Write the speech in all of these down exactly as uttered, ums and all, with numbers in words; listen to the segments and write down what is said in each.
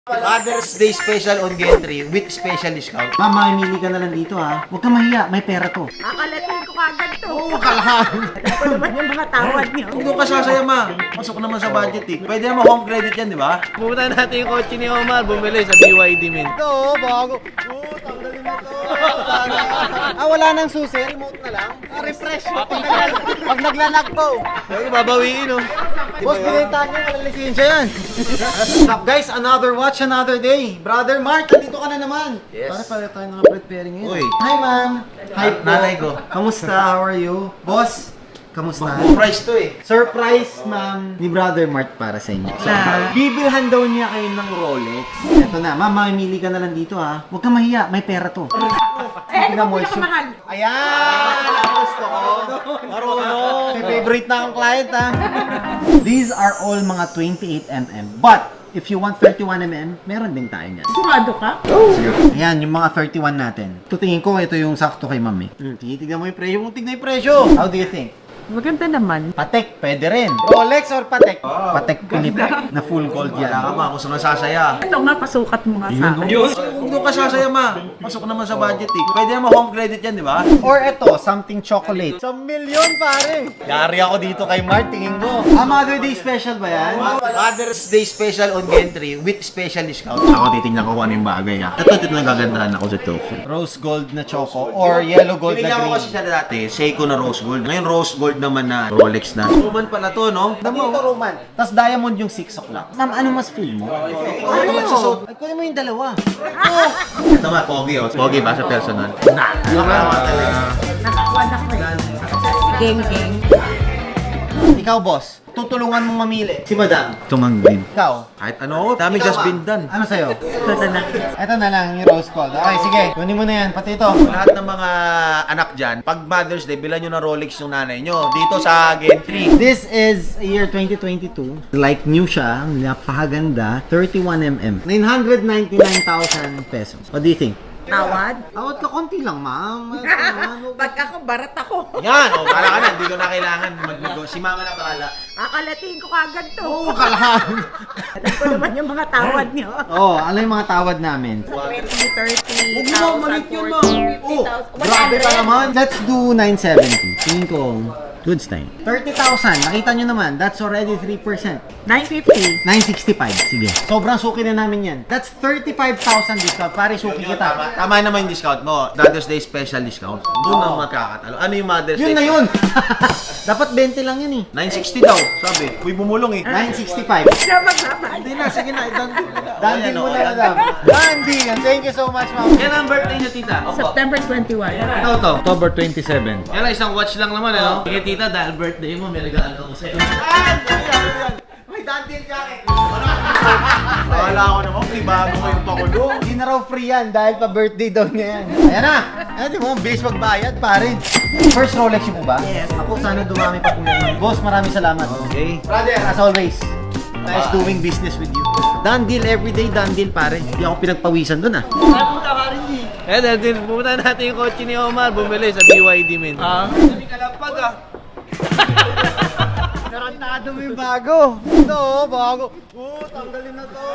Father's Day special on Gentry with special discount. Ma'am, mamimili ka na lang dito ha. Huwag kang mahiya, may pera to. Akalatin ko kagad to. Oo, kalahan. Ako naman yung mga tawad niyo. Huwag doon ka sasaya, ma. Pasok naman sa budget eh. Pwede naman home credit yan, di ba? Pumunta natin yung kotse ni Omar, bumili sa B Y D, men. Ito, bago. Oo, tanggalin na to. Ah, wala nang susi. Remote na lang. Ah, refresh. Pag, nagla- pag naglalag po. Pero babawiin, oh. Boss, binenta niyo. Walang lisensya yan. What's up, guys? Another watch, another day. Brother Mark, nandito ka na naman. Yes. Para pala tayo ng preparing ngayon. Uy. Hi, ma'am. Hi, Na- nanay ko. Kamusta? How are you? Boss, kamusta? Price to eh. Surprise, ma'am, ni Brother Mark para sa inyo. Na? Bibilhan daw niya kayo ng Rolex. Ito na, ma'am, mamimili ka na lang dito ha. Huwag kang mahiya, may pera to. Eh, Tingnan mo, ano shoot. mahal? Ayan! Ang gusto ko. Marunong. May favorite na akong client ha. These are all mga twenty-eight millimeter. But, if you want thirty-one millimeter, meron din tayo niyan. Sigurado ka? Ayan, yung mga thirty-one natin. Tutingin ko, ito yung sakto kay ma'am eh. Hmm, tignan mo yung presyo. Tignan yung presyo. How do you think? Maganda naman. Patek, pwede rin. Rolex or Patek? Patek Philippe na full gold yan. Wala ka, ma. Kung saan sasaya. Ito nga, pasukat mo nga sa akin. Huwag doon ka sasaya, ma. Pasok naman sa budget eh. Pwede naman home credit yan, di ba? Or ito, something chocolate. Sa milyon, pare. Yari ako dito kay Mart, tingin ko. Ah, Mother Day special ba yan? Father's Day special on Gentry with special discount. Ako titingnan ko kung ano yung bagay ha. Ito, ito na gagandahan ako sa tofu. Rose gold na choco or yellow gold na Tinignan ko green. kasi siya dati, Seiko na rose gold. Ngayon rose gold naman na Rolex na. Roman pala to, no? Damo, Roman. Tapos diamond yung six o'clock. Ma'am, ano mas feel mo? Ano magsusot? Ay, kunin mo yung dalawa. Ito ma, pogi oh. Pogi ba sa personal? Na! Nakakuha na ko eh. Geng-geng. Ikaw, boss, tutulungan mong mamili. Si Madam. Tumanggin. Ikaw. Kahit ano, dami Ikaw, just ah. been done. Ano sa'yo? Ito na na. Ito na lang, yung rose gold. Okay, sige. Kunin mo na yan, pati ito. Lahat ng mga anak dyan, pag Mother's Day, bilan nyo na Rolex yung nanay nyo. Dito sa Gentry. This is year twenty twenty-two. Like new siya, napakaganda. thirty-one millimeter. nine hundred ninety-nine thousand pesos. What do you think? Tawad? Awat ka konti lang, ma'am. Pag ako, barat ako. Yan, oh, bahala ka na. Hindi ko na kailangan mag-nego. Si mama na bahala. Akalatin ko kagad to. Oo, kalahan. Ako naman yung mga tawad niyo. Oo, oh, ano yung mga tawad namin? twenty, thirty, Huwag mo, maliit yun, ma. fifty thousand. Grabe ka naman. Let's do nine seventy. Tingin ko, goods time. thirty thousand. Nakita nyo naman, that's already three percent. nine fifty. nine sixty-five. Sige. Sobrang suki na namin yan. That's thirty-five thousand discount. Pare, suki Tama, kita. tama naman yung discount mo. Mother's Day special discount. Doon na magkakatalo. Ano yung Mother's Yun Day? na yun. Dapat twenty lang yun eh. nine sixty daw, sabi. Uy, bumulong eh. nine sixty-five. Siya magmamahal. Hindi na, sige na. Dandin mo na. Dandy Ayan, mo oh, na, ayan. madam. Dandy. Thank you so much, ma'am. Yan ang birthday niya, tita. September twenty-one. Ito to. October twenty-seven. Yan lang, isang watch lang naman, ano? Sige, tita, dahil birthday mo, may regalo ako sa'yo. May dandy jacket. Akala ko naman, may bago ko yung pakulo. Hindi na raw free yan dahil pa birthday daw niya yan. Ayan na! Ayan, di mo, base magbayad, pare. First Rolex yun po ba? Yes. Ako, sana dumami pa po yan. Boss, maraming salamat. Okay. Brother, as always, nice doing business with you. Done deal, everyday done deal, pare. Hindi ako pinagpawisan dun ah. Eh, dahil din, pumunta natin yung kotse ni Omar, bumili sa B Y D, men. Ah? Sabi kalapag, ah. Narantado mo yung bago. Ito, bago. Oo, tanggalin na to.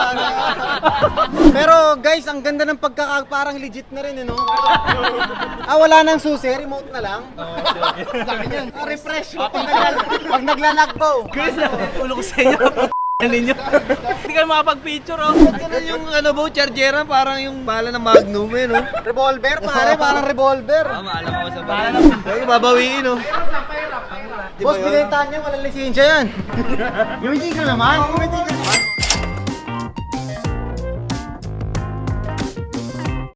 Pero guys, ang ganda ng pagkaka... Parang legit na rin, eh, no? Ah, wala nang susi. Remote na lang. Laki niyan. Ah, refresh. Pag, nagla- pag naglalag po. Chris, ulo ko sa inyo. Ano ninyo? Hindi kayo makapag-picture, oh. Ganun yung ano ba, chargera, parang yung bala ng Magnum, eh, no? Revolver, pare. Parang revolver. Tama, alam ko sa bala. Kaya babawiin, oh. Boss, binenta niya. Walang lisensya yan. Yung hindi ka naman. Yung hindi ka